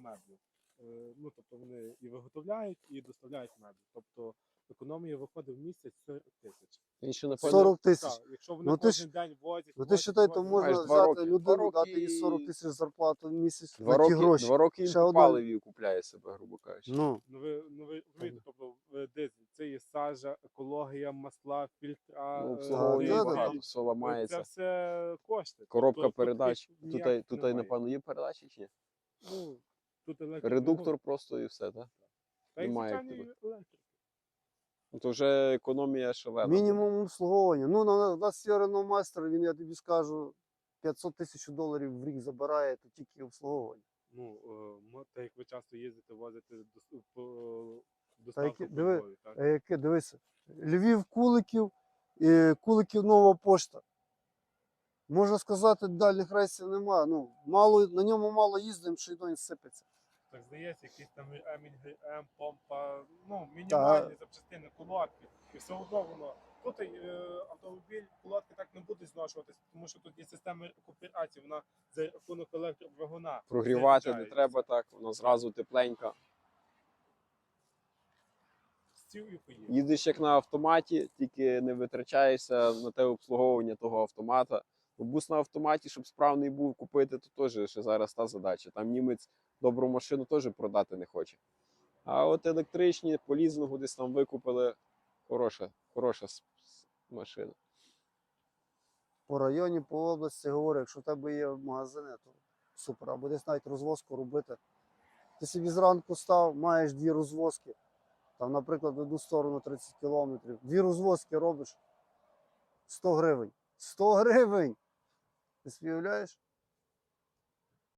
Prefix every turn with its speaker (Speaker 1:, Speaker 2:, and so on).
Speaker 1: меблю. Ну, тобто вони і виготовляють, і доставляють меблі. Тобто економія виходить в місяць 40 тисяч.
Speaker 2: Він ще, напевно,
Speaker 3: 40 тисяч.
Speaker 1: Так, якщо вони
Speaker 3: Ну, ти
Speaker 1: кожен день возять,
Speaker 3: Ну ти считай, то можна
Speaker 2: Маєш 2
Speaker 3: взяти
Speaker 2: роки. 2
Speaker 3: людину, дати
Speaker 2: роки
Speaker 3: їй 40 тисяч зарплату в місяць
Speaker 2: 2
Speaker 3: на ті
Speaker 2: роки,
Speaker 3: гроші.
Speaker 2: 2 роки він
Speaker 3: Ще
Speaker 2: по
Speaker 3: одна-
Speaker 2: паливі купляє себе, грубо кажучи.
Speaker 3: Ну,
Speaker 1: ви розумієте, тобто дизель, це є сажа, екологія, масла, фільтра,
Speaker 2: Ну, обслуговування
Speaker 3: да,
Speaker 2: багато,
Speaker 3: да.
Speaker 2: все
Speaker 1: це
Speaker 2: ламається.
Speaker 1: все кошти.
Speaker 2: Коробка
Speaker 1: Тобто,
Speaker 2: передач.
Speaker 1: тут
Speaker 2: Тут,
Speaker 1: ніяк
Speaker 2: тут,
Speaker 1: немає.
Speaker 2: напевно, є передачі чи ні?
Speaker 1: Ну, тут
Speaker 2: Редуктор просто і все, так?
Speaker 1: Та й
Speaker 2: немає
Speaker 1: звичайний електрик.
Speaker 2: Ну, то вже економія шалена.
Speaker 3: мінімум обслуговування. Ну, на нас є Renault Master, він, я тобі скажу, 500 тисяч доларів в рік забирає, то тільки обслуговування.
Speaker 1: Ну, так як ви часто їздите, возите
Speaker 3: Та
Speaker 1: доставку
Speaker 3: які,
Speaker 1: по
Speaker 3: диви,
Speaker 1: Львові, так?
Speaker 3: яке, дивися, Львів, Куликів, Куликів, Нова Пошта. Можна сказати, дальніх рейсів немає. Ну, мало, на ньому мало їздимо, що й він сипеться.
Speaker 1: Так здається, якийсь там ремінь, ГМ, помпа, ну, мінімальні запчастини, колодки. І все одно воно. Тут автомобіль, колодки так не будуть зношуватися, тому що тут є система рекуперації, вона за рахунок електродвигуна.
Speaker 2: Прогрівати не
Speaker 1: заряджається.
Speaker 2: треба так, воно зразу тепленька.
Speaker 1: Сів і поїв.
Speaker 2: Їдеш як на автоматі, тільки не витрачаєшся на те обслуговування того автомата. Бо бус на автоматі, щоб справний був купити, то теж ще зараз та задача. Там німець добру машину теж продати не хоче. А от електричні, по лізингу десь там викупили, хороша машина.
Speaker 3: По районі, по області говорю, якщо в тебе є магазини, то супер. Або десь навіть розвозку робити. Ти собі зранку став, маєш 2 розвозки. Там, наприклад, в одну сторону 30 кілометрів. 2 розвозки робиш 100 гривень. 100 гривень! Ти собі уявляєш?